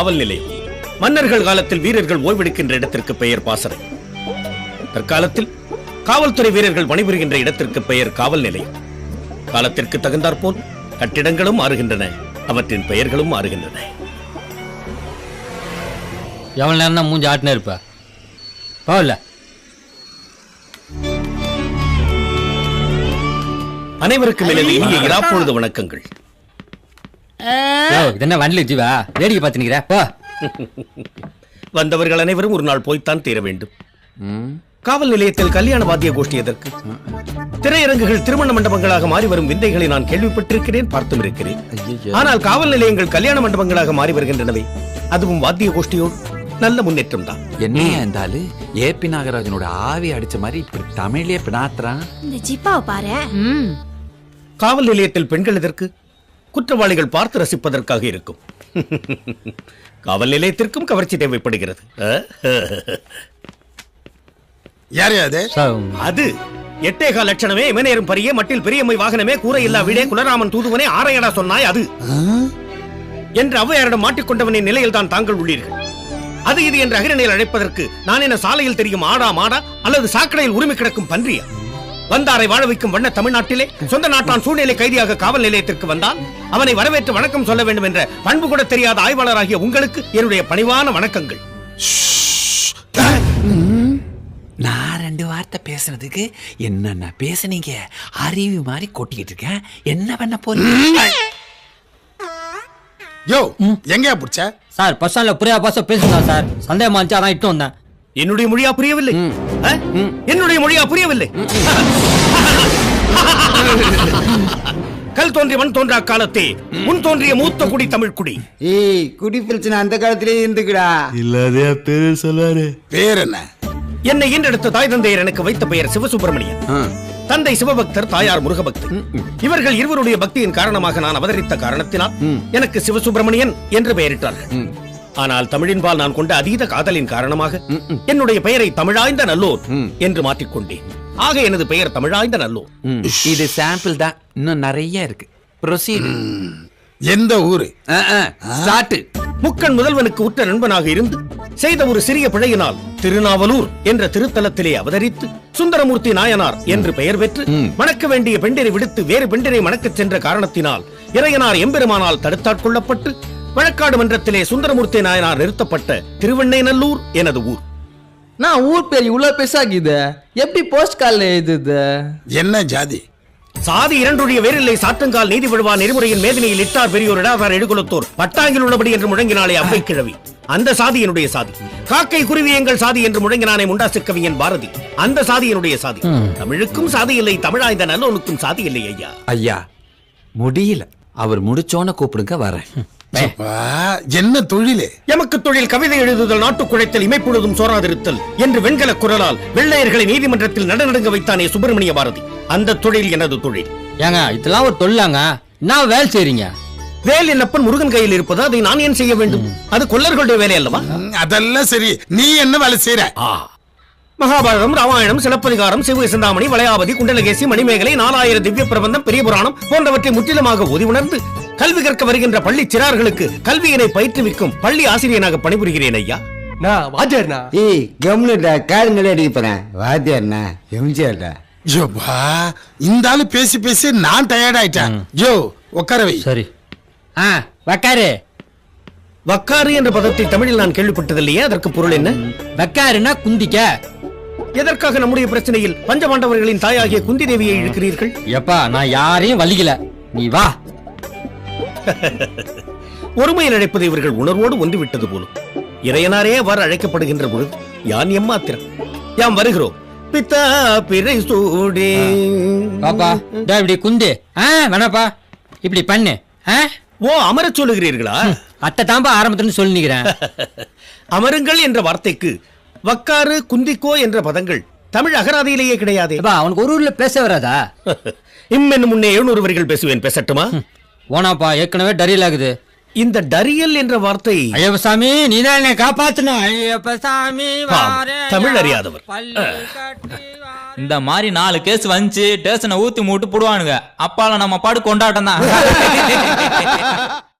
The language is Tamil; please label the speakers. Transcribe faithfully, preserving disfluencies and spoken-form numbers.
Speaker 1: காவல் நிலையம். மன்னர்கள் காலத்தில் வீரர்கள் ஓய்வெடுக்கின்ற இடத்திற்கு பெயர் பாசறை. தற்காலத்தில் காவல்துறை வீரர்கள் பணிபுரிகின்ற இடத்திற்கு பெயர் காவல் நிலையம். காலத்திற்கு தகுந்தாற்போல் கட்டிடங்களும் மாறுகின்றன, அவற்றின் பெயர்களும் மாறுகின்றன.
Speaker 2: எவ்வளவு நேரம் தான் மூஞ்சி ஆட்டினே இருப்ப? போகல.
Speaker 1: அனைவருக்கும் எனது இனிய இராப்பொழுது வணக்கங்கள்.
Speaker 2: என்ன வண்டில ஜீவா வேடிக்கை பார்த்துக்கிறா? போ.
Speaker 1: வந்தவர்கள் அனைவரும் ஒரு நாள் போய்த்தான் தீர வேண்டும். காவல் நிலையத்தில் கல்யாண வாத்திய கோஷ்டி எதற்கு? திரையரங்குகள் திருமண மண்டபங்களாக மாறி வரும் விந்தைகளை நான் கேள்விப்பட்டிருக்கிறேன், பார்த்தும் இருக்கிறேன். ஆனால் காவல் நிலையங்கள் கல்யாண மண்டபங்களாக மாறி வருகின்றனவே, அதுவும் வாத்திய கோஷ்டியோடு. நல்ல முன்னேற்றம் தான்.
Speaker 3: என்னையா இருந்தாலும் ஏபி நாகராஜனோட ஆவி அடிச்ச மாதிரி இப்படி தமிழ்லயே பினாத்துறான்.
Speaker 4: இந்த ஜிப்பாவை பாரு.
Speaker 1: காவல் நிலையத்தில் பெண்கள் எதற்கு? குற்றவாளிகள் பார்த்து ரசிப்பதற்காக இருக்கும். காவல் நிலையத்திற்கும் கவர்ச்சி தேவைப்படுகிறது.
Speaker 5: யாரு அது?
Speaker 1: அது எட்டேகால் லட்சணமே இமநேரும் பரிய மட்டில் பெரியம்மை வாகனமே கூரை இல்லா வீடே குலராமன் தூதுவனே ஆரையடா சொன்னாய் அது என்று ஔவையாரிடம் மாட்டிக்கொண்டவனின் நிலையில் தான் தாங்கள் உள்ளீர்கள். அது இது என்று அகிரணையில் அழைப்பதற்கு நான் என்ன சாலையில் தெரியும் ஆடா மாடா அல்லது சாக்கடையில் உரிமை கிடக்கும் பன்றியா? வந்தாரை வாழ வைக்கும் வண்ண தமிழ்நாட்டிலே சொந்த நாட்டான் சூழ்நிலை கைதியாக காவல் நிலையத்திற்கு வந்தால் அவனை வரவேற்று வணக்கம் சொல்ல வேண்டும் என்ற பண்பு கூட தெரியாத ஆய்வாளராகிய உங்களுக்கு என்னுடைய பணிவான வணக்கங்கள்.
Speaker 3: நான் ரெண்டு வார்த்தை பேசுனதுக்கு என்னென்ன பேசுனீங்க? அறிவு மாதிரி கொட்டிக்கிட்டு இருக்கேன். என்ன பண்ண போறீங்க?
Speaker 5: யோ, எங்கயா புடிச்ச?
Speaker 2: சார் பஸ் ஸ்டாண்ட்ல புரியா பாச பேசுங்க சார். சந்தேகமா இருந்துச்சு, அதான் இட்டு வந்தேன்.
Speaker 1: என்னுடைய மொழியா புரியவில்லை? என்னுடைய மொழியா புரியவில்லை? கல் தோன்றிய மண் தோன்றா காலத்தே முன் தோன்றிய மூத்த குடி தமிழ் குடி.
Speaker 6: ஏய், குடி பிரச்சனை அந்த காலத்திலே இருந்துக்குடா.
Speaker 7: இல்லாதே பேர் சொல்லுவாரு.
Speaker 5: பேர் என்ன?
Speaker 1: என்னை ஈன்றெடுத்த தாய் தந்தையர் எனக்கு வைத்த பெயர் சிவசுப்பிரமணியன். தந்தை சிவபக்தர், தாயார் முருகபக்தர். இவர்கள் இருவருடைய பக்தியின் காரணமாக நான் அவதரித்த காரணத்தினால் எனக்கு சிவசுப்பிரமணியன் என்று பெயரிட்டார்கள். ஆனால் தமிழின்பால் நான் கொண்ட அதீத காதலின் காரணமாக என்னுடைய பெயரை தமிழாய்ந்த நல்லோர் என்று மாற்றிக்கொண்டேன். ஆக எனது பெயர் தமிழாய்ந்த நல்லோர்.
Speaker 3: இது சாம்பிள் தான், இன்னும் நிறைய இருக்கு. ப்ரொசீட்.
Speaker 5: எந்த ஊரு?
Speaker 3: ஸ்டார்ட்.
Speaker 1: முக்கண் முதல்வனுக்கு உற்ற நண்பனாக இருந்து செய்த ஒரு சிறிய பிழையினால் திருநாவலூர் என்ற திருத்தலத்திலே அவதரித்து சுந்தரமூர்த்தி நாயனார் என்று பெயர் பெற்று மணக்க வேண்டிய பெண்டிரை விடுத்து வேறு பெண்டிரை மணக்கச் சென்ற காரணத்தினால் இறையனார் எம்பெருமானால் தடுத்தாட்கொள்ளப்பட்டு வழக்காடு மன்றத்திலே சுந்தரமூர்த்தி நாயனார் நிறுத்தப்பட்ட திருவெண்ணைநல்லூர் எனது ஊர்.
Speaker 6: நான் ஊர் பேர் இவ்வளவு பெருசாகிது, எப்படி போஸ்ட் கார்டுல எழுதுது?
Speaker 5: என்ன ஜாதி?
Speaker 1: சாதி இரண்டுடைய வேரில்லை சாத்தங்கால் நீதி விழுவா நெறிமுறையின் மேதினியில் இட்டார் பெரியோர் இடாதார் எடுகுலத்தோர் பட்டாங்கில் உள்ளபடி என்று முழங்கினாலே அவ்வை கிழவி. அந்த சாதி என்னுடைய சாதி. காக்கை குருவி எங்கள் சாதி என்று முழங்கினானே முண்டாசு கவிஞன் பாரதி. அந்த சாதி என்னுடைய சாதி. தமிழுக்கும் சாதி இல்லை, தமிழாய்ந்த நல்லோனுக்கும் சாதி இல்லை. ஐயா
Speaker 3: ஐயா முடியல, அவர் முடிச்சோன்னு கூப்பிடுங்க, வரேன்.
Speaker 5: என்ன தொழிலே?
Speaker 1: எமக்கு தொழில் கவிதை எழுதுதல், நாட்டுக் குழைத்தல், இமைப்பொழுதும் சோராதிருத்தல் என்று வெண்கல குரலால் வெள்ளையர்களை நீதிமன்றத்தில் நடநடுங்க வைத்தானே சுப்பிரமணிய பாரதி. அந்த தொழில் எனது தொழில்.
Speaker 2: ஏங்க இதெல்லாம் ஒரு தொழிலாங்க? நான் வேலை செய்றீங்க.
Speaker 1: வேல் என்னப்பன் முருகன் கையில் இருப்பது, அதை நான் ஏன் செய்ய வேண்டும்? அது கொல்லர்களுடைய வேலை அல்லவா?
Speaker 5: அதெல்லாம் சரி, நீ என்ன வேலை செய்யற?
Speaker 1: மகாபாரதம், ராமாயணம், சிலப்பதிகாரம், சிவ சிந்தாமணி, வளையாபதி, குண்டலகேசி, மணிமேகலை, நாலாயிரம் திவ்ய பிரபந்தம், பெரிய புராணம் போன்றவற்றை முற்றிலுமாக ஓதி உணர்ந்து கல்வி கற்க வருகின்ற பள்ளி சிறார்களுக்கு கல்வியினை பயிற்றுவிக்கும் பள்ளி ஆசிரியனாக பணிபுரிகிறேன். ஐயா
Speaker 6: ஏய், கம்னுடா, காதுங்களே அடிக்க போறேன். வாத்தியார்னா எம்ஜிஆர்டா.
Speaker 5: ஜோபா, இந்த ஆளு பேசி பேசி நான் டயர்ட் ஆயிட்டேன். ஜோ, உட்கார வை.
Speaker 2: சரி. ஆ, வக்காரு.
Speaker 1: வக்காரு என்ற பதத்தை தமிழில் நான் கேள்விப்பட்டதில்லையே, அதற்கு பொருள் என்ன?
Speaker 2: வக்காருன்னா குந்திக்க.
Speaker 1: எதற்காக நம்முடைய பிரச்சனையில் பஞ்சபாண்டவர்களின் தாயாகிய குந்தி தேவியை இழுக்கிறீர்கள்?
Speaker 2: எப்பா, நான் யாரையும் வலிக்கல, நீ வா.
Speaker 1: ஒருமையில் அழைப்பது இவர்கள் உணர்வோடு ஒன்று விட்டது போலும். இறையனாரே அவ்வாறு அழைக்கப்படுகின்ற பொழுது யான் எம்மாத்திரம். யாம் வருகிறோம். பித்தா பிறை சூடே.
Speaker 2: பாப்பா இப்படி குந்து. ஆ வேணாப்பா, இப்படி பண்ணு.
Speaker 1: ஓ, அமரச் சொல்லுகிறீர்களா?
Speaker 2: அத்தை தாம்பா ஆரம்பத்துல சொல்லி நிக்கிறேன்.
Speaker 1: அமருங்கள் என்ற வார்த்தைக்கு வக்காறு, குந்திக்கோ என்ற பதங்கள் தமிழ் அகராதியிலேயே கிடையாது.
Speaker 2: அவனுக்கு ஒரு ஊர்ல பேச வராதா?
Speaker 1: இம்மென்னு முன்னே எழுநூறு வரிகள் பேசுவேன், பேசட்டுமா?
Speaker 2: ஓனாப்பா, ஏற்கனவே டரியல் ஆகுது.
Speaker 1: இந்த டரியல் என்ற வார்த்தை,
Speaker 2: ஐயப்ப சாமி நீதான் என்னை காப்பாத்தணும். ஐயப்ப சாமி
Speaker 1: தமிழ் அறியாதவர்.
Speaker 8: இந்த மாதிரி நாலு கேஸ் வந்துச்சு, டேஷனை ஊத்தி மூட்டு போடுவானுங்க. அப்பால நம்ம பாடு கொண்டாட்டம் தான்.